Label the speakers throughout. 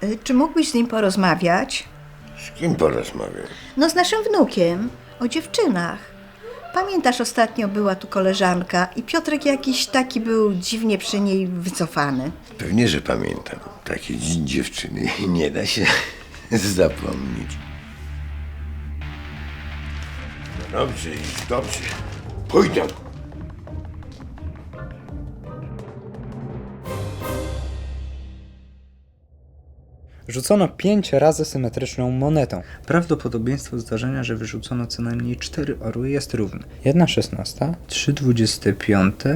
Speaker 1: Czy mógłbyś z nim porozmawiać?
Speaker 2: Z kim porozmawiam?
Speaker 1: No z naszym wnukiem, o dziewczynach. Pamiętasz, ostatnio była tu koleżanka i Piotrek jakiś taki był dziwnie przy niej wycofany.
Speaker 2: Pewnie, że pamiętam. Takie dziewczyny nie da się zapomnieć. No dobrze, dobrze. Pójdę.
Speaker 3: Rzucono 5 razy symetryczną monetą. Prawdopodobieństwo zdarzenia, że wyrzucono co najmniej 4 orły jest równe. 1/16, 3/25,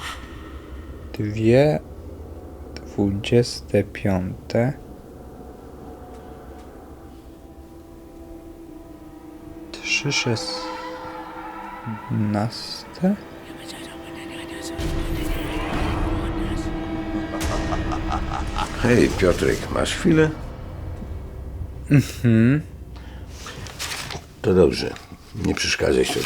Speaker 3: 2/25, 3/16.
Speaker 2: Hej, Piotrek, masz chwilę? To dobrze. Nie przeszkadzaj sobie.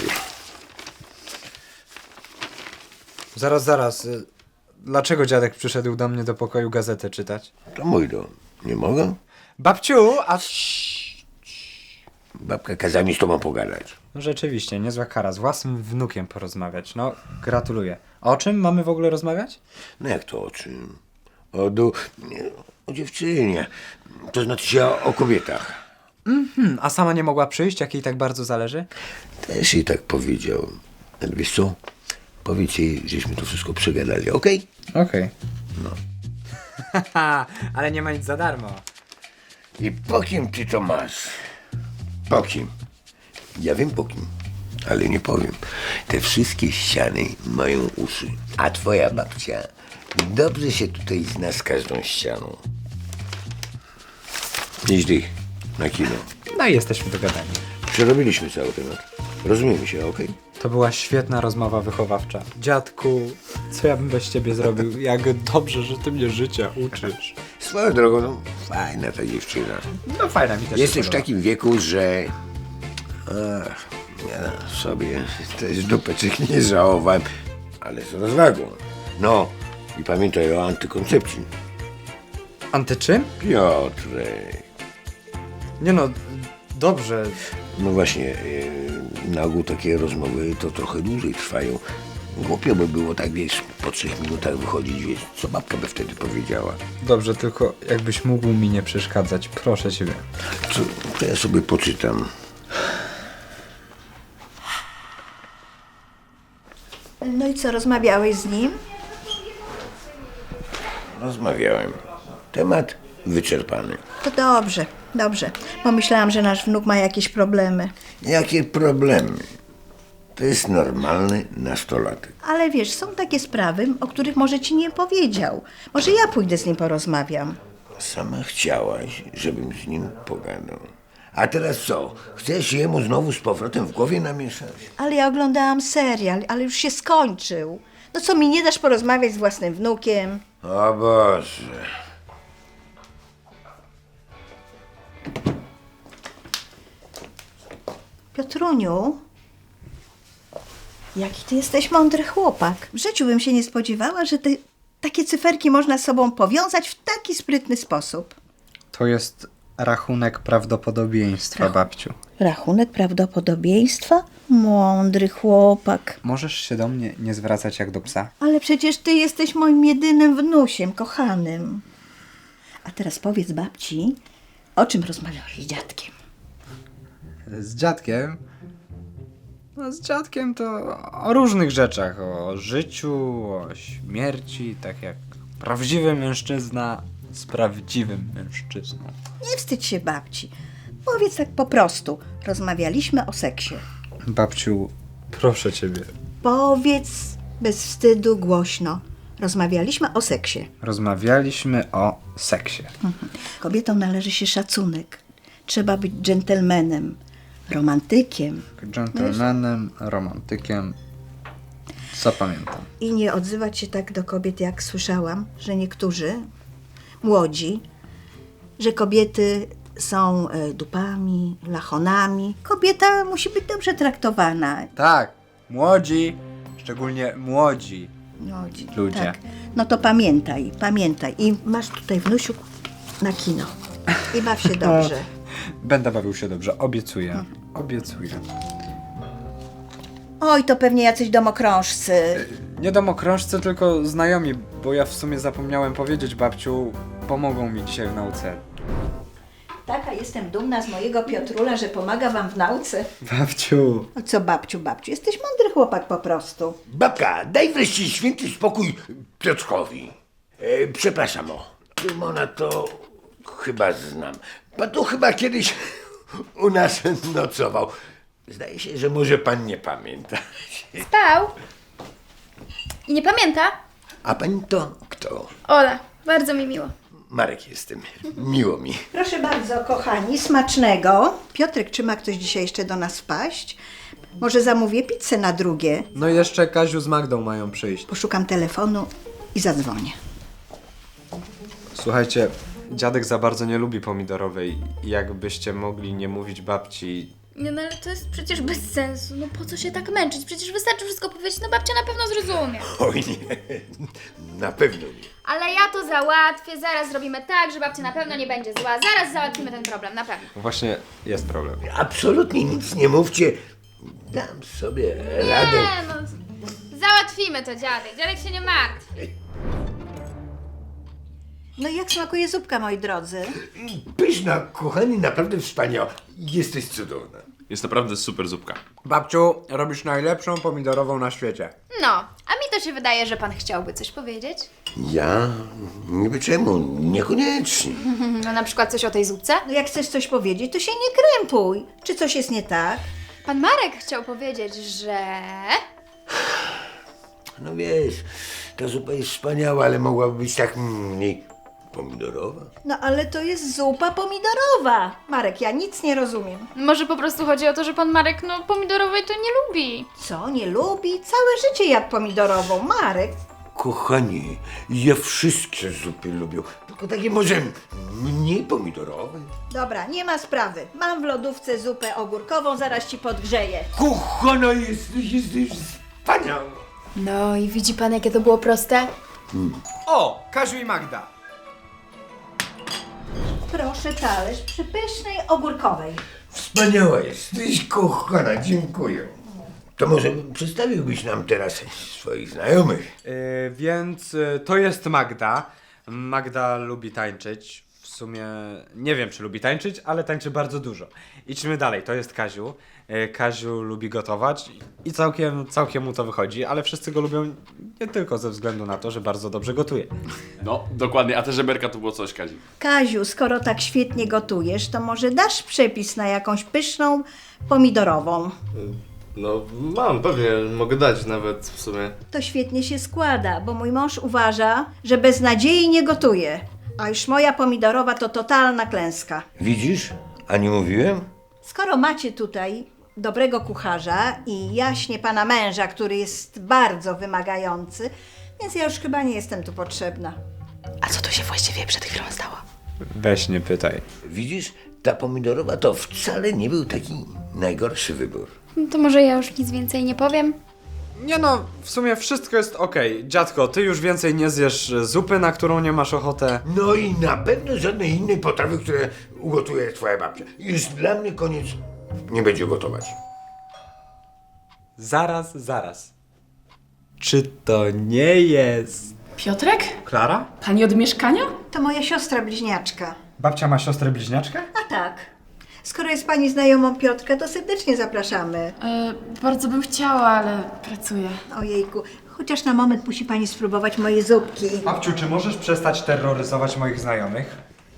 Speaker 3: Zaraz. Dlaczego dziadek przyszedł do mnie do pokoju gazetę czytać?
Speaker 2: To mój dom. Nie mogę?
Speaker 3: Babciu, a...
Speaker 2: Babka kazała mi z tobą pogadać.
Speaker 3: No rzeczywiście, niezła kara. Z własnym wnukiem porozmawiać. No, gratuluję. A o czym mamy w ogóle rozmawiać?
Speaker 2: No jak to o czym? O dziewczynie. To znaczy się o kobietach.
Speaker 3: A sama nie mogła przyjść, jak jej tak bardzo zależy?
Speaker 2: Też jej tak powiedział. Ale wiesz co? Powiedz jej, żeśmy to wszystko przegadali, okej?
Speaker 3: Okej. No. Ale nie ma nic za darmo.
Speaker 2: I po kim ty to masz? Po kim? Ja wiem po kim, ale nie powiem. Te wszystkie ściany mają uszy. A twoja babcia dobrze się tutaj zna z każdą ścianą. Idź ty na kino.
Speaker 3: No i jesteśmy dogadani.
Speaker 2: Przerobiliśmy cały temat. Rozumiemy się, okej?
Speaker 3: To była świetna rozmowa wychowawcza. Dziadku, co ja bym bez ciebie zrobił? Jak dobrze, że ty mnie życia uczysz.
Speaker 2: Swoją drogą, no, fajna ta dziewczyna.
Speaker 3: No fajna mi też
Speaker 2: Jesteś
Speaker 3: się
Speaker 2: w
Speaker 3: podoba.
Speaker 2: takim wieku, że... Ach, ja sobie też dupeczek nie żałowałem, ale z rozwagą. No, i pamiętaj o antykoncepcji.
Speaker 3: Anty czym?
Speaker 2: Piotrek.
Speaker 3: Nie no, dobrze.
Speaker 2: No właśnie, na ogół takie rozmowy to trochę dłużej trwają. Głupio by było tak, wiesz, po 3 minutach wychodzić, wiesz, co babka by wtedy powiedziała.
Speaker 3: Dobrze, tylko jakbyś mógł mi nie przeszkadzać, proszę ciebie.
Speaker 2: To ja sobie poczytam.
Speaker 1: No i co, rozmawiałeś z nim?
Speaker 2: Rozmawiałem. Temat wyczerpany.
Speaker 1: To dobrze, bo myślałam, że nasz wnuk ma jakieś problemy.
Speaker 2: Jakie problemy? To jest normalny nastolatek.
Speaker 1: Ale wiesz, są takie sprawy, o których może ci nie powiedział. Może ja pójdę z nim porozmawiam.
Speaker 2: Sama chciałaś, żebym z nim pogadał. A teraz co? Chcesz jemu znowu z powrotem w głowie namieszać?
Speaker 1: Ale ja oglądałam serial, ale już się skończył. No co, mi nie dasz porozmawiać z własnym wnukiem?
Speaker 2: O Boże.
Speaker 1: Piotruniu, jaki ty jesteś mądry chłopak. W życiu bym się nie spodziewała, że takie cyferki można z sobą powiązać w taki sprytny sposób.
Speaker 3: To jest rachunek prawdopodobieństwa, babciu.
Speaker 1: Rachunek prawdopodobieństwa? Mądry chłopak.
Speaker 3: Możesz się do mnie nie zwracać jak do psa?
Speaker 1: Ale przecież ty jesteś moim jedynym wnusiem, kochanym. A teraz powiedz babci, o czym rozmawiałeś z dziadkiem?
Speaker 3: Z dziadkiem? No z dziadkiem to o różnych rzeczach. O życiu, o śmierci, tak jak prawdziwy mężczyzna z prawdziwym mężczyzną.
Speaker 1: Nie wstydź się babci. Powiedz tak po prostu. Rozmawialiśmy o seksie.
Speaker 3: Babciu, proszę ciebie.
Speaker 1: Powiedz bez wstydu głośno. Rozmawialiśmy o seksie.
Speaker 3: Rozmawialiśmy o seksie.
Speaker 1: Kobietom należy się szacunek. Trzeba być dżentelmenem, romantykiem.
Speaker 3: Dżentelmenem, romantykiem. Zapamiętam.
Speaker 1: I nie odzywać się tak do kobiet, jak słyszałam, że niektórzy młodzi, że kobiety są dupami, lachonami. Kobieta musi być dobrze traktowana.
Speaker 3: Tak, młodzi, szczególnie młodzi
Speaker 1: Młodzi,
Speaker 3: ludzie.
Speaker 1: tak. No to pamiętaj. I masz tutaj, wnusiu, na kino. I baw się dobrze.
Speaker 3: Będę bawił się dobrze, obiecuję. Obiecuję.
Speaker 1: Oj, to pewnie jacyś domokrążcy.
Speaker 3: Nie domokrążcy, tylko znajomi, bo ja w sumie zapomniałem powiedzieć, babciu, pomogą mi dzisiaj w nauce.
Speaker 1: Taka jestem dumna z mojego Piotrula, że pomaga wam w nauce.
Speaker 3: Babciu.
Speaker 1: O co babciu, jesteś mądry chłopak po prostu.
Speaker 2: Babka, daj wreszcie święty spokój Piotrkowi. Przepraszam, Tymona to chyba znam. Pan tu chyba kiedyś u nas nocował. Zdaje się, że może pan nie pamięta.
Speaker 4: Spał? I nie pamięta?
Speaker 2: A pani to kto?
Speaker 4: Ola, bardzo mi miło.
Speaker 2: Marek jestem. Miło mi.
Speaker 1: Proszę bardzo, kochani, smacznego. Piotrek, czy ma ktoś dzisiaj jeszcze do nas wpaść? Może zamówię pizzę na drugie?
Speaker 3: No i jeszcze Kaziu z Magdą mają przyjść.
Speaker 1: Poszukam telefonu i zadzwonię.
Speaker 3: Słuchajcie, dziadek za bardzo nie lubi pomidorowej. Jakbyście mogli nie mówić babci...
Speaker 4: Nie, no ale to jest przecież bez sensu. No po co się tak męczyć? Przecież wystarczy wszystko powiedzieć, no babcia na pewno zrozumie.
Speaker 2: Oj nie, na pewno nie.
Speaker 4: Ale ja to załatwię, zaraz zrobimy tak, że babcia na pewno nie będzie zła. Zaraz załatwimy ten problem, na pewno.
Speaker 3: Właśnie jest problem.
Speaker 2: Absolutnie nic nie mówcie. Dam sobie radę.
Speaker 4: Nie, no załatwimy to, dziadek. Dziadek się nie martwi.
Speaker 1: No i jak smakuje zupka, moi drodzy?
Speaker 2: Pyszna, kochani, naprawdę wspaniała. Jesteś cudowna.
Speaker 5: Jest naprawdę super zupka.
Speaker 3: Babciu, robisz najlepszą pomidorową na świecie.
Speaker 4: No, a mi to się wydaje, że pan chciałby coś powiedzieć.
Speaker 2: Ja? Niby czemu? Niekoniecznie.
Speaker 4: No na przykład coś o tej zupce?
Speaker 1: No jak chcesz coś powiedzieć, to się nie krępuj. Czy coś jest nie tak?
Speaker 4: Pan Marek chciał powiedzieć, że...
Speaker 2: No wiesz, ta zupa jest wspaniała, ale mogłaby być tak mniej pomidorowa.
Speaker 1: No ale to jest zupa pomidorowa. Marek, ja nic nie rozumiem.
Speaker 4: Może po prostu chodzi o to, że pan Marek, no pomidorowej to nie lubi.
Speaker 1: Co, nie lubi? Całe życie jadł pomidorową. Marek,
Speaker 2: Kochani, ja wszystkie zupy lubię, tylko takie może mniej pomidorowe.
Speaker 1: dobra, nie ma sprawy. Mam w lodówce zupę ogórkową, zaraz ci podgrzeję.
Speaker 2: Kochana, jesteś wspaniała.
Speaker 4: No i widzi pan, jakie to było proste?
Speaker 3: O, Kaziu i Magda.
Speaker 1: Proszę talerz przypysznej ogórkowej.
Speaker 2: Wspaniała jesteś, kochana, dziękuję. To może przedstawiłbyś nam teraz swoich znajomych.
Speaker 3: Więc to jest Magda. Magda lubi tańczyć. W sumie nie wiem, czy lubi tańczyć, ale tańczy bardzo dużo. Idźmy dalej, to jest Kaziu. Kaziu lubi gotować i całkiem mu to wychodzi, ale wszyscy go lubią nie tylko ze względu na to, że bardzo dobrze gotuje.
Speaker 5: No, dokładnie, a te żeberka to było coś, Kazi.
Speaker 1: Kaziu, skoro tak świetnie gotujesz, to może dasz przepis na jakąś pyszną pomidorową?
Speaker 6: No mam, pewnie, mogę dać nawet w sumie.
Speaker 1: To świetnie się składa, bo mój mąż uważa, że bez nadziei nie gotuje. A już moja pomidorowa to totalna klęska.
Speaker 2: Widzisz? A nie mówiłem?
Speaker 1: Skoro macie tutaj dobrego kucharza i jaśnie pana męża, który jest bardzo wymagający, więc ja już chyba nie jestem tu potrzebna.
Speaker 7: A co tu się właściwie przed chwilą stało?
Speaker 3: Weź nie pytaj.
Speaker 2: Widzisz? Ta pomidorowa to wcale nie był taki najgorszy wybór.
Speaker 4: To może ja już nic więcej nie powiem?
Speaker 3: Nie no, w sumie wszystko jest okej. Dziadko, ty już więcej nie zjesz zupy, na którą nie masz ochotę.
Speaker 2: No i na pewno żadnej innej potrawy, które ugotuje twoja babcia. Już dla mnie koniec nie będzie gotować.
Speaker 3: Zaraz. Czy to nie jest...
Speaker 7: Piotrek?
Speaker 3: Klara?
Speaker 7: Pani od mieszkania?
Speaker 1: To moja siostra bliźniaczka.
Speaker 3: Babcia ma siostrę bliźniaczkę?
Speaker 1: A tak. Skoro jest pani znajomą Piotrka, to serdecznie zapraszamy.
Speaker 7: Bardzo bym chciała, ale pracuję.
Speaker 1: Ojejku, chociaż na moment musi pani spróbować moje zupki.
Speaker 3: Babciu, czy możesz przestać terroryzować moich znajomych?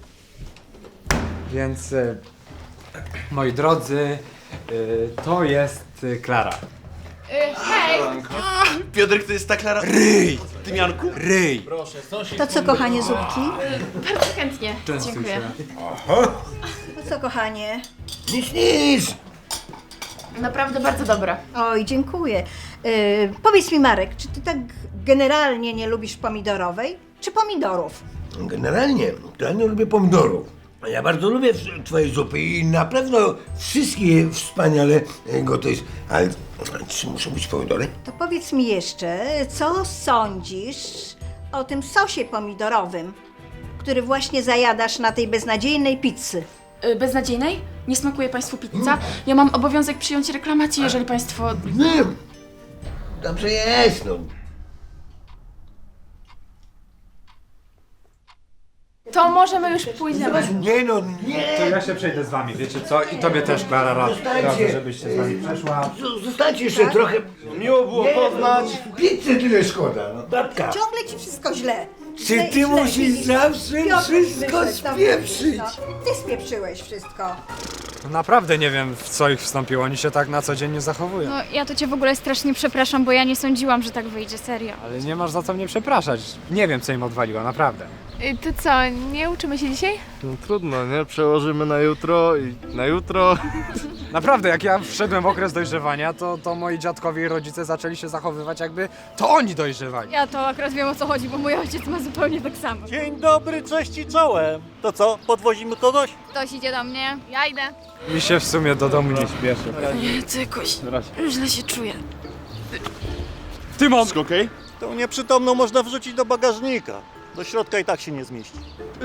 Speaker 3: Więc, moi drodzy, to jest Klara.
Speaker 4: Hej!
Speaker 5: Piotrek, to jest ta Klara... Ryj! Tymianku?
Speaker 3: Ryj!
Speaker 1: To co, kochanie, zupki?
Speaker 7: Bardzo chętnie.
Speaker 3: Częstuj
Speaker 7: Dziękuję.
Speaker 3: się.
Speaker 1: To co, kochanie?
Speaker 2: Nic!
Speaker 7: Naprawdę bardzo dobra.
Speaker 1: Oj, dziękuję. Powiedz mi, Marek, czy ty tak generalnie nie lubisz pomidorowej, czy pomidorów?
Speaker 2: Generalnie to ja nie lubię pomidorów. Ja bardzo lubię twoje zupy i na pewno wszystkie wspaniale gotujesz. Ale czy muszą być pomidory?
Speaker 1: To powiedz mi jeszcze, co sądzisz o tym sosie pomidorowym, który właśnie zajadasz na tej beznadziejnej pizzy.
Speaker 7: Beznadziejnej? Nie smakuje Państwu pizza? Ja mam obowiązek przyjąć reklamację, jeżeli Państwo...
Speaker 2: Nie. Dobrze jest, no.
Speaker 7: To możemy już pójść na was.
Speaker 2: Nie no, nie!
Speaker 3: To ja się przejdę z wami, wiecie co? I tobie też, Klara, radzę, żebyś się z nami przeszła.
Speaker 2: Zostańcie jeszcze trochę.
Speaker 6: Miło było poznać.
Speaker 2: Pizzy tyle szkoda, no babka.
Speaker 1: Ciągle ci wszystko źle.
Speaker 2: Czy ty musisz zawsze
Speaker 1: Piotr
Speaker 2: wszystko
Speaker 1: wyszedł, to
Speaker 2: spieprzyć?
Speaker 1: no. Ty spieprzyłeś wszystko.
Speaker 3: Naprawdę nie wiem, w co ich wstąpiło, oni się tak na co dzień nie zachowują.
Speaker 4: No ja to cię w ogóle strasznie przepraszam, bo ja nie sądziłam, że tak wyjdzie, serio.
Speaker 3: Ale nie masz za co mnie przepraszać. Nie wiem, co im odwaliło, naprawdę.
Speaker 8: To co, nie uczymy się dzisiaj?
Speaker 6: No trudno, nie? Przełożymy na jutro i na jutro.
Speaker 3: Naprawdę, jak ja wszedłem w okres dojrzewania, to moi dziadkowie i rodzice zaczęli się zachowywać, jakby to oni dojrzewali.
Speaker 4: Ja to akurat wiem, o co chodzi, bo mój ojciec ma zupełnie tak samo.
Speaker 9: Dzień dobry, cześć i czołem. To co, podwozimy kogoś?
Speaker 4: Ktoś idzie do mnie.
Speaker 8: Ja idę.
Speaker 3: Mi się w sumie do domu nie śpieszy.
Speaker 7: To jakoś źle się czuję.
Speaker 3: Tymon!
Speaker 9: Wszystko okej? Tą nieprzytomną można wrzucić do bagażnika. Do środka i tak się nie zmieści.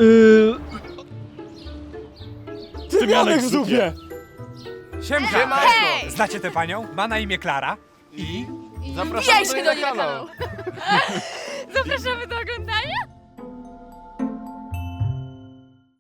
Speaker 9: Tymianek w zupie.
Speaker 3: Siemka! Znacie tę panią? Ma na imię Klara. I?
Speaker 6: Zapraszamy
Speaker 8: się do niej na kanał.
Speaker 4: Zapraszamy do oglądania.